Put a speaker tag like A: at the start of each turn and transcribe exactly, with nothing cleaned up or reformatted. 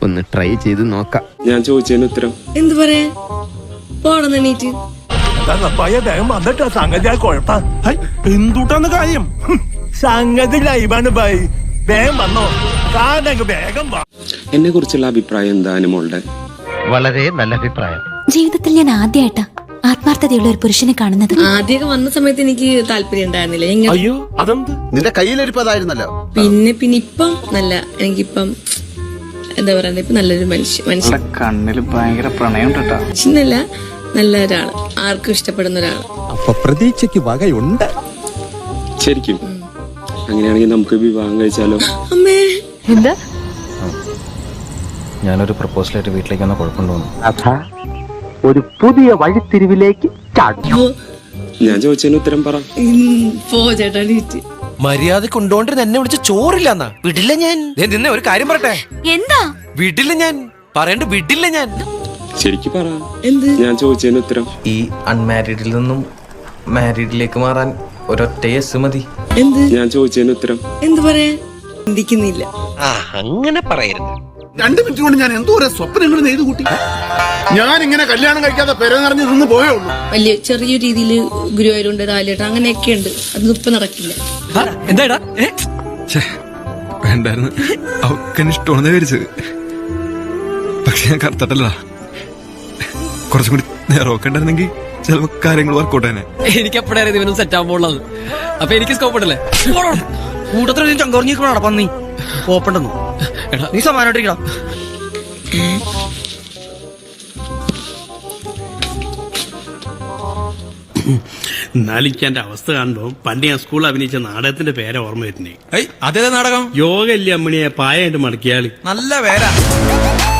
A: നമുക്കൊന്ന് ട്രൈ ചെയ്ത് നോക്കാം.
B: ഞാൻ ചോദിച്ചതിന് ഉത്തരം
C: എന്ത് പറയാ? പോണം എണീറ്റ്.
D: എന്തുട്ടാണ് കാര്യം? സംഗതി ലൈവാണ് ബൈ. വേഗം വന്നോ, വേഗം വാ.
B: എന്നെ കുറിച്ചുള്ള അഭിപ്രായം എന്താ അനുമോളുടെ?
A: വളരെ നല്ല അഭിപ്രായം.
E: ജീവിതത്തിൽ ഞാൻ ആദ്യമായിട്ടാ ആത്മാർത്ഥതയുള്ള ഒരു പുരുഷനെ കാണുന്നത്.
C: ആദ്യമൊക്കെ വന്ന സമയത്ത് എനിക്ക് താല്പര്യം ഉണ്ടായിരുന്നില്ല.
D: അയ്യോ അതെന്ത്?
F: നിന്റെ കയ്യിലിരിപ്പതായിരുന്നല്ലോ.
C: പിന്നെ പിന്നെ ഇപ്പം നല്ല എനിക്കിപ്പം എന്താ പറയുക, ഇപ്പൊ നല്ലൊരു മനുഷ്യ മനുഷ്യൻ
G: കണ്ണില് ഭയങ്കര പ്രണയം
C: മനുഷ്യനല്ല, നല്ല ഒരാള്, ആർക്കും ഇഷ്ടപ്പെടുന്ന ഒരാള്.
H: അപ്പൊ പ്രതീക്ഷയ്ക്ക് വകയുണ്ട്.
B: ശരിക്കും അങ്ങനെയാണെങ്കിൽ നമുക്ക് വിവാഹം കഴിച്ചാലോ?
C: അമ്മേ
E: എന്താ?
G: ഞാനൊരു പ്രപ്പോസലായിട്ട് വീട്ടിലേക്ക് വന്ന കുഴപ്പമുണ്ടോന്നു.
A: ഒരു പുതിയ വഴിത്തിരിവിലേക്ക്
B: ഞാൻ ചോദിച്ചതിന് ഉത്തരം പറ.
C: പോ ചേട്ടാ എണീറ്റ്.
I: മര്യാദ കൊണ്ടോണ്ടിരുന്ന എന്നെ വിളിച്ച് ചോറില്ലെന്നാ. വിടില്ല ഞാൻ. നിന്നെ ഒരു കാര്യം പറയട്ടെ.
E: എന്താ?
I: വിടില്ല ഞാൻ. പറയണ്ട, വിടില്ല ഞാൻ.
B: ശരിക്കും പറ.
C: എന്ത്?
B: ഞാൻ ചോദിച്ചതിന് ഉത്തരം.
G: ഈ അൺമാരീഡിൽ നിന്നും മാരീഡിലേക്ക് മാറാൻ ഒരൊറ്റ യെസ് മതി.
C: എന്ത്?
B: ഞാൻ ചോദിച്ചതിന് ഉത്തരം.
C: എന്ത് പറയാ? ചിന്തിക്കുന്നില്ല.
I: അങ്ങനെ പറയരുത്.
F: രണ്ടു മിനിറ്റ് കൊണ്ട് ഞാൻ എന്തോ സ്വപ്നങ്ങൾ നെയ്തു കൂട്ടി. ഞാൻ ഇങ്ങനെ കല്യാണം കഴിക്കാതെ പെര നിറഞ്ഞു നിന്ന് പോയേ ഉള്ളൂ.
C: വലിയ ചെറിയ രീതിയിൽ ഗുരുവായൂരുണ്ട്, താലിയേട്ട അങ്ങനെയൊക്കെ ഉണ്ട്. അതൊന്നും ഇപ്പൊ നടക്കില്ല.
I: എന്താടാ?
H: വേണ്ടായിരുന്നു, അവക്ക് ഇഷ്ടമാണെന്ന് വിചാരിച്ചത്. പക്ഷെ ഞാൻ കറുത്തട്ടല്ല, കുറച്ചും കൂടി നേരമൊക്കെ ഉണ്ടായിരുന്നെങ്കിൽ ചിലപ്പോ കാര്യങ്ങൾ വർക്കൗട്ട് തന്നെ.
I: എനിക്ക് എപ്പോഴായിരുന്നു ഇവനും സെറ്റ് ആകുമ്പോഴുള്ളത്. അപ്പൊ എനിക്ക് സ്കോപ്പ് ഉണ്ടല്ലേ? കൂട്ടത്തിൽ ചങ്കുറങ്ങിക്കണോ പന്നി ഓപ്പണ്ടെന്നു. എടാ നീ സമാനമായിട്ടിരിക്കടാ.
D: എന്നാലിന്റെ അവസ്ഥ കാണുമ്പോ പണ്ട് ഞാൻ സ്കൂളിൽ അഭിനയിച്ച നാടകത്തിന്റെ പേരെ ഓർമ്മ വരുന്നേ.
I: അതേ നാടകം?
D: യോഗ ഇല്ലേ അമ്മണിയെ പായായിട്ട് മടക്കിയാളി.
I: നല്ല പേരാ.